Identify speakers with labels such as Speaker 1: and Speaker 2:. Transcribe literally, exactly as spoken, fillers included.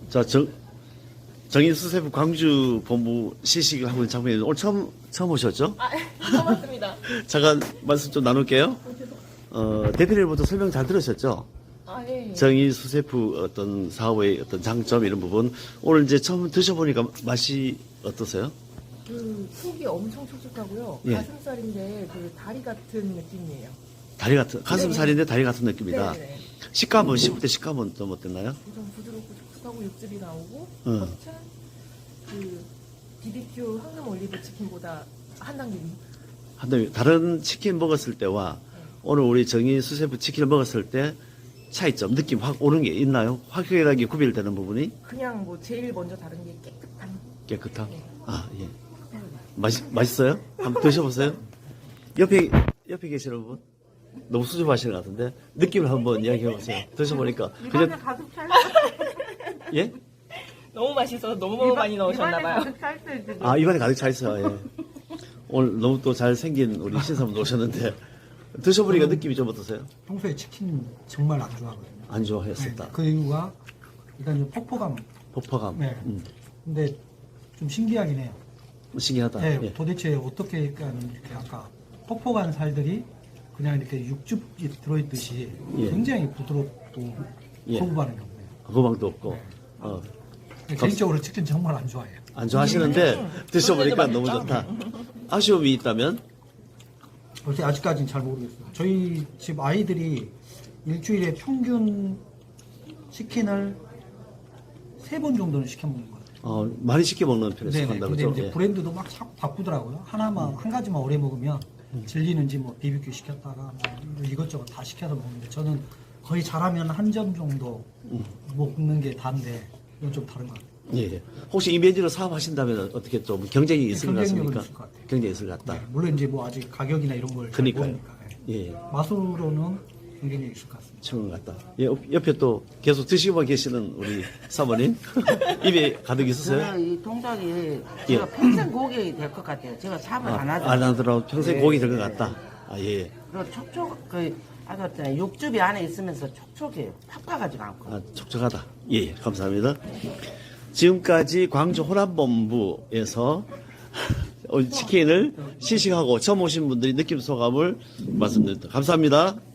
Speaker 1: 자, 정, 정인수세부 광주 본부 시식을 하고 있는 장면이 오늘 처음, 처음 오셨죠?
Speaker 2: 아, 고맙습니다.
Speaker 1: 잠깐 말씀 좀 나눌게요. 어, 대표님부터 설명 잘 들으셨죠?
Speaker 2: 아, 예.
Speaker 1: 정인수세부 어떤 사업의 어떤 장점 이런 부분. 오늘 이제 처음 드셔보니까 맛이 어떠세요?
Speaker 2: 그 속이 엄청 촉촉하고요.
Speaker 1: 예.
Speaker 2: 가슴살인데 그 다리 같은 느낌이에요.
Speaker 1: 다리 같은, 가슴살인데 다리 같은 느낌이다.
Speaker 2: 네네.
Speaker 1: 식감은, 씹을 때 식감은 좀 어땠나요?
Speaker 2: 좀 부드럽고 촉촉하고 육즙이 나오고
Speaker 1: 응.
Speaker 2: 겉은 그 비비큐 황금 올리브 치킨보다 한 단계 위.
Speaker 1: 한데 다른 치킨 먹었을 때와 오늘 우리 정인수세부 치킨을 먹었을 때 차이점, 느낌 확 오는 게 있나요? 확연하게 구별되는 부분이?
Speaker 2: 그냥 뭐 제일 먼저 다른 게 깨끗한.
Speaker 1: 깨끗함?
Speaker 2: 네.
Speaker 1: 아, 예. 맛있, 맛있어요? 한번 드셔보세요. 옆에, 옆에 계시는 분? 너무 수줍어하시는 것 같은데? 느낌을 한번 이야기해보세요. 드셔보니까.
Speaker 3: 입안에
Speaker 1: 그냥,
Speaker 3: 가득 찰
Speaker 1: 예?
Speaker 2: 너무 맛있어서 너무 많이 넣으셨나봐요.
Speaker 3: 입안에 가득 차 있어요, 지금.
Speaker 1: 아, 입안에 가득 차 있어요. 예. 오늘 너무 또 잘생긴 우리 신사분 오셨는데, 드셔보니까 느낌이 좀 어떠세요?
Speaker 4: 평소에 치킨 정말 안 좋아하거든요.
Speaker 1: 안 좋아했었다.
Speaker 4: 네, 그 이유가 일단 이 폭포감.
Speaker 1: 폭포감.
Speaker 4: 네.
Speaker 1: 음,
Speaker 4: 근데 좀 신기하긴 해요.
Speaker 1: 신기하다.
Speaker 4: 네,
Speaker 1: 예.
Speaker 4: 도대체 어떻게 약간 이렇게 아까 폭포간 살들이 그냥 이렇게 육즙이 들어있듯이
Speaker 1: 예.
Speaker 4: 굉장히 부드럽고
Speaker 1: 예.
Speaker 4: 소부 반응이 없네요.
Speaker 1: 호방도 없고. 어,
Speaker 4: 개인적으로 치킨 정말 안 좋아해요.
Speaker 1: 안 좋아하시는데 드셔보니까 너무 좋다. 아쉬움이 있다면?
Speaker 4: 그렇게 아직까지는 잘 모르겠어요. 저희 집 아이들이 일주일에 평균 치킨을 세 번 정도는 시켜 먹는 것 같아요.
Speaker 1: 어, 많이 시켜 먹는 편에
Speaker 4: 네네.
Speaker 1: 속한다고
Speaker 4: 근데
Speaker 1: 그죠?
Speaker 4: 이제
Speaker 1: 예.
Speaker 4: 브랜드도 막 자꾸 바꾸더라고요. 하나만 한 가지만 오래 먹으면 질리는지 뭐 비비큐 시켰다가 뭐 이것저것 다 시켜서 먹는데 저는 거의 잘하면 한 점 정도 먹는 게 다인데 이건 좀 다른 것 같아요.
Speaker 1: 예, 예. 혹시 이 메뉴로 사업하신다면 어떻게 좀 경쟁이 있을 것
Speaker 4: 경쟁력은
Speaker 1: 같습니까?
Speaker 4: 있을 것 같아요.
Speaker 1: 경쟁이 있을 것 같다.
Speaker 4: 네, 물론 이제 뭐 아직 가격이나 이런 걸 잘
Speaker 1: 그러니까요.
Speaker 4: 모르니까 네.
Speaker 1: 예, 예.
Speaker 4: 맛으로는 굉장히 있을 것 같습니다.
Speaker 1: 친구 같다. 예, 옆- 옆에 또 계속 드시고 계시는 우리 사모님. 입에 가득 있으세요?
Speaker 3: 저는 이 동작이 제가 평생 고객이 될 것 같아요. 제가 삽을 안
Speaker 1: 아,
Speaker 3: 하잖아요.
Speaker 1: 안 하더라도 평생
Speaker 3: 네,
Speaker 1: 고기 될 것
Speaker 3: 네.
Speaker 1: 같다. 아, 예.
Speaker 3: 그리고 촉촉, 그, 아까 그랬잖아요. 육즙이 안에 있으면서 촉촉해요. 팍팍하지가 않고.
Speaker 1: 아, 촉촉하다. 예, 예, 감사합니다. 지금까지 광주 호남본부에서 치킨을 시식하고 처음 오신 분들이 느낌 소감을 말씀드립니다. 감사합니다.